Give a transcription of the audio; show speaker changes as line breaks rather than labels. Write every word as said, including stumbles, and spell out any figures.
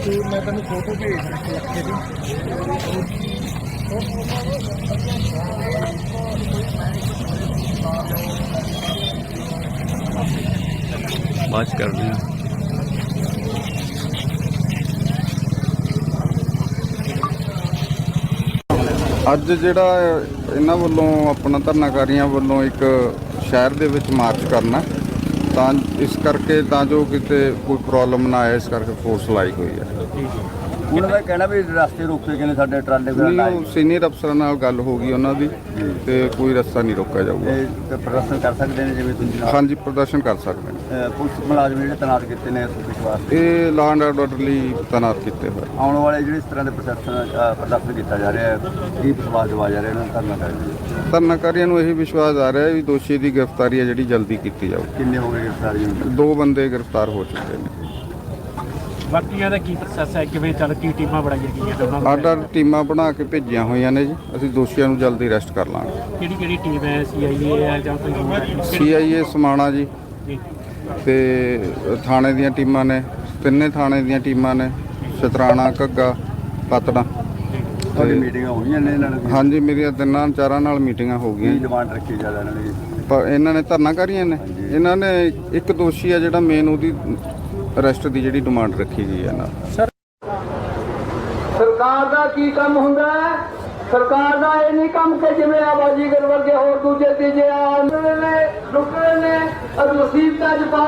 मैं तेन फोटो भेज
बात कर रहे हैं।
ਅੱਜ ਜਿਹੜਾ ਇਹਨਾਂ ਵੱਲੋਂ ਆਪਣਾ ਧਰਨਾਕਾਰੀਆਂ ਵੱਲੋਂ ਇੱਕ ਸ਼ਹਿਰ ਦੇ ਵਿੱਚ ਮਾਰਚ ਕਰਨਾ, ਤਾਂ ਇਸ ਕਰਕੇ ਤਾਂ ਜੋ ਕਿਤੇ ਕੋਈ ਪ੍ਰੋਬਲਮ ਨਾ ਆਏ, ਇਸ ਕਰਕੇ ਫੋਰਸ ਲਾਈ ਹੋਈ ਹੈ।
ਉਹਨਾਂ ਦਾ ਕਹਿਣਾ ਵੀ ਰਸਤੇ ਰੋਕੇ ਗਏ ਨੇ ਸਾਡੇ ਟਰਾਲੇ ਵਗੈਰਾ
ਨਹੀਂ,
ਲਾਏ।
ਉਹ ਸੀਨੀਅਰ ਅਫਸਰਾਂ ਨਾਲ ਗੱਲ ਹੋ ਗਈ ਉਹਨਾਂ ਦੀ, ਤੇ ਕੋਈ ਰਸਤਾ ਨਹੀਂ ਰੋਕਿਆ ਜਾਊਗਾ।
ਇਹ ਪ੍ਰਦਰਸ਼ਨ ਕਰ ਸਕਦੇ ਨੇ ਜਿਵੇਂ ਤੁਸੀਂ ਨਾਲ
ਹਾਂਜੀ, ਪ੍ਰਦਰਸ਼ਨ ਕਰ ਸਕਦੇ ਨੇ।
ਅਹ ਪੁਲਿਸ ਮੁਲਾਜ਼ਮ ਜਿਹੜੇ ਤੈਨਾਤ ਕੀਤੇ ਨੇ ਇਸ ਵਾਸਤੇ,
ਇਹ ਲਾਅ ਐਂਡ ਆਰਡਰ ਲਈ ਤੈਨਾਤ ਕੀਤੇ ਹੋਏ।
ਆਉਣ ਵਾਲੇ ਜਿਹੜੇ ਇਸ ਤਰ੍ਹਾਂ ਦੇ ਪ੍ਰਦਰਸ਼ਨ ਪ੍ਰਦਰਸ਼ਨ ਕੀਤਾ ਜਾ ਰਿਹਾ ਹੈ, ਕੀ ਵਿਸ਼ਵਾਸ ਦਿਵਾਇਆ ਜਾ ਰਿਹਾ ਇਹਨਾਂ ਨੂੰ ਕਰਨਾ ਚਾਹੀਦਾ।
ਧਰਨਾਕਾਰੀਆਂ ਨੂੰ ਇਹੀ ਵਿਸ਼ਵਾਸ ਆ ਰਿਹਾ ਵੀ ਦੋਸ਼ੀ ਦੀ ਗ੍ਰਿਫਤਾਰੀ ਹੈ ਜਿਹੜੀ ਜਲਦੀ ਕੀਤੀ ਜਾਊ।
ਕਿੰਨੇ ਹੋ ਗਏ ਗ੍ਰਿਫਤਾਰੀ ਹੁਣ?
ਦੋ ਬੰਦੇ ਗ੍ਰਿਫਤਾਰ ਹੋ ਚੁੱਕੇ ਨੇ।
ਬਾਕੀਆਂ ਦਾ ਕੀ ਪ੍ਰੋਸੈਸ ਹੈ, ਕਿਵੇਂ ਚੱਲ ਕੀ ਟੀਮਾਂ ਬਣਾਈਆਂ ਗਈਆਂ ਦੋਨਾਂ ਨੂੰ?
ਆਰਡਰ ਟੀਮਾਂ ਬਣਾ ਕੇ ਭੇਜੀਆਂ ਹੋਈਆਂ ਨੇ ਜੀ। ਅਸੀਂ ਦੋਸ਼ੀਆਂ ਨੂੰ ਜਲਦੀ ਅਰੈਸਟ ਕਰ ਲਾਂਗੇ।
ਕਿਹੜੀ ਕਿਹੜੀ ਟੀਮ ਹੈ, ਸੀ ਆਈ ਏ ਹੈ ਜਾਂ ਕੋਈ ਹੋਰ ਹੈ?
ਸੀ ਆਈ ਏ ਸਮਾਣਾ ਜੀ,
ਜੀ
ਤੇ ਥਾਣੇ ਦੀਆਂ ਟੀਮਾਂ ਨੇ, ਤਿੰਨੇ ਥਾਣੇ ਦੀਆਂ ਟੀਮਾਂ ਨੇ, ਸ਼ਤਰਾਣਾ, ਘੱਗਾ, ਪਤਨਾ।
ਤੁਹਾਡੀ ਮੀਟਿੰਗਾਂ ਹੋਈਆਂ ਨੇ ਇਹਨਾਂ ਨਾਲ?
ਹਾਂਜੀ, ਮੇਰੀਆਂ ਤਿੰਨਾਂ ਚਾਰਾਂ ਨਾਲ ਮੀਟਿੰਗਾਂ ਹੋ
ਕੀ
ਗਈਆਂ।
ਡਿਮਾਂਡ ਰੱਖੀ ਜਾ ਇਹਨਾਂ ਨੇ?
ਪਰ ਇਹਨਾਂ ਨੇ ਧਰਨਾਕਾਰੀਆਂ ਨੇ, ਇਹਨਾਂ ਨੇ ਇੱਕ ਦੋਸ਼ੀ ਆ ਜਿਹੜਾ ਮੇਨ, ਉਹਦੀ ਅਰੈਸਟ ਦੀ ਜਿਹੜੀ ਡਿਮਾਂਡ ਰੱਖੀ ਗਈ ਹੈ ਨਾਲ।
ਸਰਕਾਰ ਦਾ ਕੀ ਕੰਮ ਹੁੰਦਾ ਹੈ? ਸਰਕਾਰ ਦਾ ਇਹ ਨਹੀਂ ਕੰਮ ਕਿ ਜਿਵੇਂ ਆਬਾਜੀਗਰ ਵਰਗੇ ਹੋਰ ਦੂਜੇ ਤੀਜੇ ਆਂਦੇ ਨੇ, ਲੁੱਟ ਰਹੇ ਨੇ, ਮੁਸੀਬਤਾਂ 'ਚ ਪਾ